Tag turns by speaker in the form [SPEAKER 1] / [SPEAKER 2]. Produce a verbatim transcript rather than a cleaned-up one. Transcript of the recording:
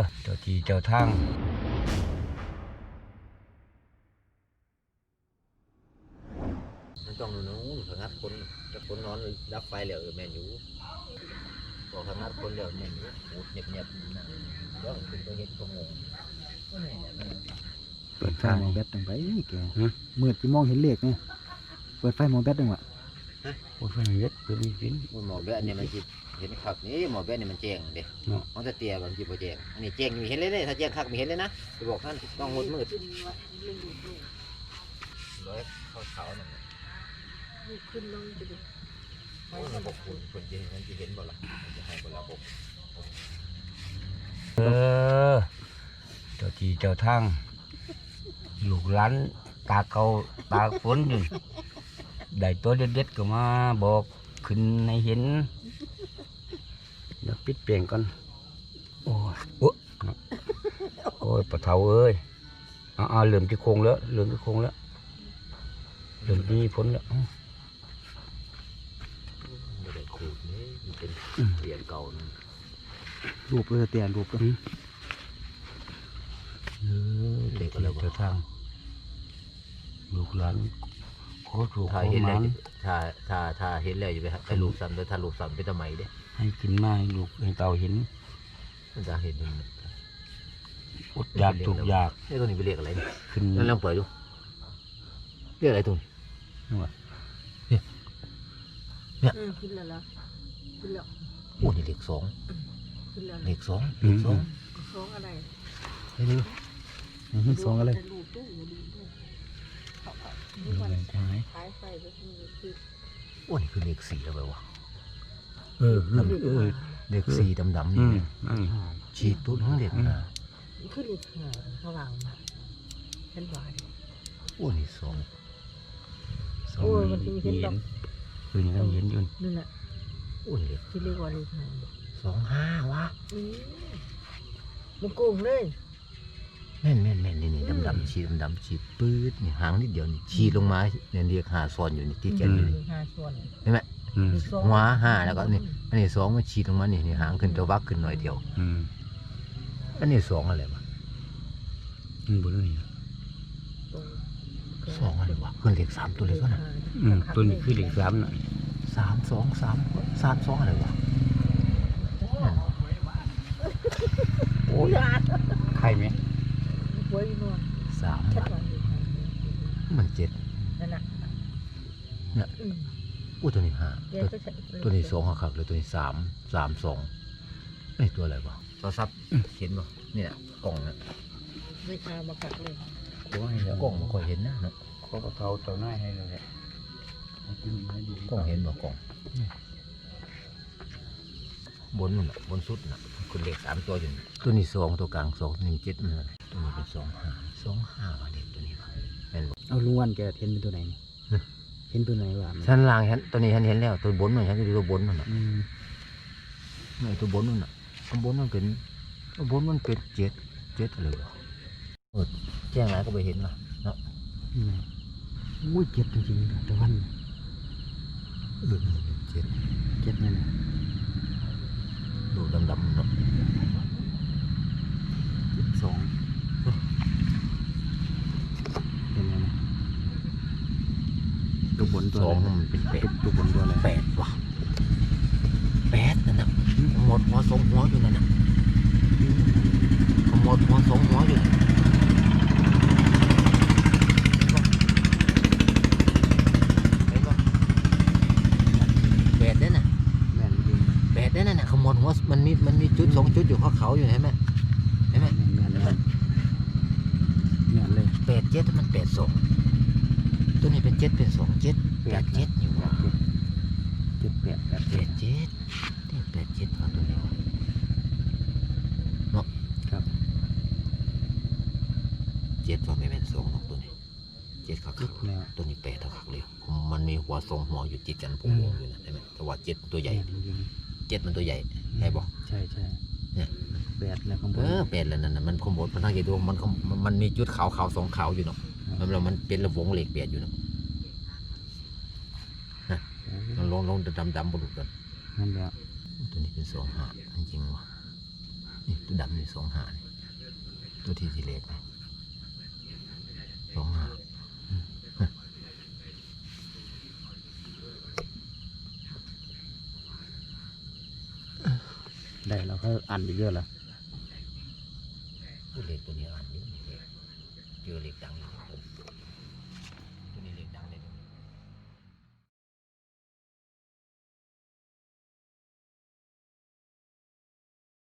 [SPEAKER 1] เจ้าที่เจ้าทาง
[SPEAKER 2] มันต้องนู้นพงัดคนจะคนนอนรับไฟเหลวแม่นอยู่บอกพงัดคนเหลวแม่นอยู่โอ้เงียบเงียบนะเดี๋ยวคุณก็เห็นก็งง
[SPEAKER 3] เปิดไฟมองแบตตั้งไปแกมืดที่มองเห็นเลขเนี่ยเปิดไฟมองแบตตั้งวะ
[SPEAKER 1] โอ้ยมันเล็ดเปิดมีฟิน
[SPEAKER 2] หมอแบะเนี่ยมันจิเห็นคักนี่หมอแบะเนี่ยมันแจ้งเด็กมันจะเตี้ยบางทีพอแจ้งอันนี้แจ้งมีเห็นเลยเนี่ยถ้าแจ้งคักมีเห็นเลยนะไปบอกท่านต้องงดมืดร้อยเข้าเขาหนึ่งขึ้นลงจะดูโอ้ยมันบอกคุณคนจะเห็นมันจะเห็นบ่ล่ะมันจะให้บ่ล่ะบอก
[SPEAKER 1] เออเจ้าที่เจ้าทางลูกหลานตาเก่าตาฝนอยู่ได้ตัวเด็ดๆก็มาบอกขึ้นให้เห็นเดี๋ยวปิดเปลี่ยนก่อนโอ้ยโอ้ยโอ้ยปะเทาเอ้ยเอาเอาเหลื่อมที่โคงแล้วเหลื่อมที่โคงแล้วเหลื่อมที่พ้นแล้ว
[SPEAKER 2] ไม่ได้ขูดนี่มันเป็นเหรียญเก่านะ
[SPEAKER 3] รูปเลยเตียรูปเลย
[SPEAKER 1] เออเด็กอะไรเจ้าทางลูกหลานโคตรถูก
[SPEAKER 2] ถ้า
[SPEAKER 1] โคต
[SPEAKER 2] เห็น
[SPEAKER 1] ร
[SPEAKER 2] แล้ว
[SPEAKER 1] มัน
[SPEAKER 2] ถ้าถ้าถ้าเห็นแล้วอยู่ไปไปลูกซ้ำด้วยถ้าลูกซ้ำไปทำไมเด้
[SPEAKER 1] ให้กินมาให้ลูกให้เต่าเห็น
[SPEAKER 2] มันจะเห็น
[SPEAKER 1] อดอยากถูกอยาก
[SPEAKER 2] นี่ตัวนี้ไปเรียกอะไร
[SPEAKER 1] ขึ้น
[SPEAKER 2] นั่นลองเปิดดูเรียกอะไรตัวนี้
[SPEAKER 4] ขึ้นแล้วล่ะขึ้นแล้ว
[SPEAKER 2] โอ้นี่เลขสอง
[SPEAKER 4] ขึ้นแล้ว
[SPEAKER 2] เลขสองเลขสอง
[SPEAKER 4] สองอะไร
[SPEAKER 2] ไอ้นี่
[SPEAKER 3] สองอะไร
[SPEAKER 4] ดูตู้ดูตู้เขาเขา
[SPEAKER 1] ดูอะไรใช่ไหม
[SPEAKER 4] ขายไฟก็คือคือ
[SPEAKER 2] โอ้นี่คือเลขสี่แล้วไปวะ
[SPEAKER 1] เออเออเออ
[SPEAKER 2] เลขสี่ดำๆ
[SPEAKER 1] อื
[SPEAKER 2] นี่
[SPEAKER 1] มนั่น
[SPEAKER 2] ฉีดตุ้นของเด็กนะ
[SPEAKER 4] ขึ้นอีกหาเขาวางมาเป็นหวาน
[SPEAKER 2] โอ้นี่สอง
[SPEAKER 1] สองเห็นคือนี่เราเห็นอยู่
[SPEAKER 4] นั่นแหละ
[SPEAKER 2] โอ้นี่เลข
[SPEAKER 4] ที่เรียกว่าเลขหา
[SPEAKER 2] สองห้าวะ
[SPEAKER 4] มันโกงเลย
[SPEAKER 2] แม่นแม่นแม่นนี่นี่ดำๆฉีดดำๆฉีดปื๊ดนี่หางนิดเดียวนี่ฉีดลงมาเนี่ยเรียกหาซ้อนอยู่นี่ที่เจ็ดอยู่นี่
[SPEAKER 4] หาส่วน
[SPEAKER 2] เห็นไหม
[SPEAKER 1] อืม
[SPEAKER 2] หัวห้าแล้วก็นี่อันนี้สองมันฉีดลงมานี่นี่หางขึ้นตัววักขึ้นหน่อยเดียว
[SPEAKER 1] อืม
[SPEAKER 2] อันนี้สองอะไรวะ
[SPEAKER 1] มันบนนี่
[SPEAKER 2] สองอะไรวะขึ้นเลขสามตัวเลขก็น่ะ
[SPEAKER 1] อืมตัวนี้คือเลขสามน่ะ
[SPEAKER 2] สามสองสามสามสองอะไรวะนั่น
[SPEAKER 1] โอ้ยใครไหม
[SPEAKER 4] หวยนวล
[SPEAKER 2] สาม
[SPEAKER 4] ชัด
[SPEAKER 2] บาท
[SPEAKER 4] กว่า
[SPEAKER 2] มันเจ็ด
[SPEAKER 4] นั่นน่ะ
[SPEAKER 2] เนี่ยอู้ตัวนี้ห้า
[SPEAKER 4] แก
[SPEAKER 2] ตัว
[SPEAKER 4] ก็ใช้
[SPEAKER 2] ตัวนี้สองหักเลยตัวนี้สามสามสองไอ้ตัวอะไรวะโทรศัพท์เห็นป่ะเนี่ยกล่องนะ
[SPEAKER 4] ไม่ตามากัดเลย
[SPEAKER 1] โอ้ย
[SPEAKER 2] กล่องไม่ค่อยเห็นนะเนาะ
[SPEAKER 1] เขาก็เท่าเต่าน้อยให้เลยแหละให้กินให้ดู
[SPEAKER 2] กล่องเห็นบ่กล่องบนนู่นน่ะบนสุดน่ะคุณเลขสามตัวอยู่นี่ตัวนี้สองตัวกลางสองหนึ่งเจ็ดมันอะไรตัวนี้เป็นสองห้าสองห้าวะเด็กตัวนี้วะแม่นบ่
[SPEAKER 3] เอาลุงวันแกเห็นเป็นตัวไหนนี่เห็นตัวไหนวะ
[SPEAKER 2] ชั้นล่างฉันตัวนี้ฉันเห็นแล้วตัวบนมันฉันจะดูตัวบนมันน่ะ
[SPEAKER 3] อืม
[SPEAKER 2] นี่ตัวบนมันน่ะตัวบนมันเป็นตัวบนมันเป็นเจ็ดเจ็ดอะไรวะเออแจ้งไหนก็ไปเห็นละเนาะ
[SPEAKER 3] อืมอุ้ยเจ็บจริงๆแต่วัน
[SPEAKER 2] เออเจ็ด
[SPEAKER 3] เจ็บนั่นน่ะ
[SPEAKER 2] ดูดำๆเนาะ
[SPEAKER 3] เจ็บสองเห็นไหมนะตัวบนตัว
[SPEAKER 2] สอง
[SPEAKER 3] อะไร
[SPEAKER 2] มันเป็นแปด
[SPEAKER 3] ตัวบนตัวอะไร
[SPEAKER 2] แปดว่ะแปดนั่นน่ะหมดหัวสองหัวอยู่นั่นน่ะหมดหัวสองหัวอยู่เห็นปะแปดนั่นน่ะ
[SPEAKER 3] แม่นจริง
[SPEAKER 2] แปดนั่นน่ะขมวดหัวมันมีมันมีจุดสองจุดอยู่ข้อเขาอยู่เห็นไหมเห็นไหม
[SPEAKER 3] แม่นแม่นแม่นแม่นเลย
[SPEAKER 2] แปดเจ็ดมันแปดสองตัวนี้เป็นเจ็ดเป็นสองเจ็ดแปดเจ็ดอยู่ว่ะ
[SPEAKER 3] เจ็ดแปดแปด
[SPEAKER 2] แปดเจ็ดนี่แปดเจ็ดว่าตัวนี้วะเนาะ
[SPEAKER 3] ครับ
[SPEAKER 2] เจ็ดว่าไม่เป็นสองหรอกตัวนี้เจ็ดขา
[SPEAKER 3] เจ็
[SPEAKER 2] ขา
[SPEAKER 3] ดแล้ว
[SPEAKER 2] ตัวนี้แปดขาขาเลยมันมีหัวสองหัวอยู่ติดกันผมงงอยู่นะใช่ไหมแต่ว่าเจ็ดตัวใหญ่
[SPEAKER 3] แม่นจริง
[SPEAKER 2] เจ็ดมันตัวใหญ่ใช่ปะ
[SPEAKER 3] ใช่ใช่
[SPEAKER 2] เนี่ย
[SPEAKER 3] แปดแล้วข้างบ
[SPEAKER 2] เอน อแปดแล้วนั่นน่ะมันขมวดมันทั้งกี่ตัวมันขมมันมีจุดขาวขาวสองขาวอยู่เนาะมันแล้วมันเป็นระวงเหล็กแปดอยู่เนาะมันลงลงดำดำบนหลุดกัน
[SPEAKER 3] นั่นแหละ
[SPEAKER 2] ตัวนี้เป็นสองห้าจริงๆวะนี่ตัวดำนี่สองหานี่ตัวที่ที่เล็กนี่สองหา
[SPEAKER 3] ได้แล้วก็อันอีกเยอะแล้ว
[SPEAKER 2] ตัวเล็กตัวนี้อ่านเยอะนี่เล็กเจอเล็กดังอยู่ผม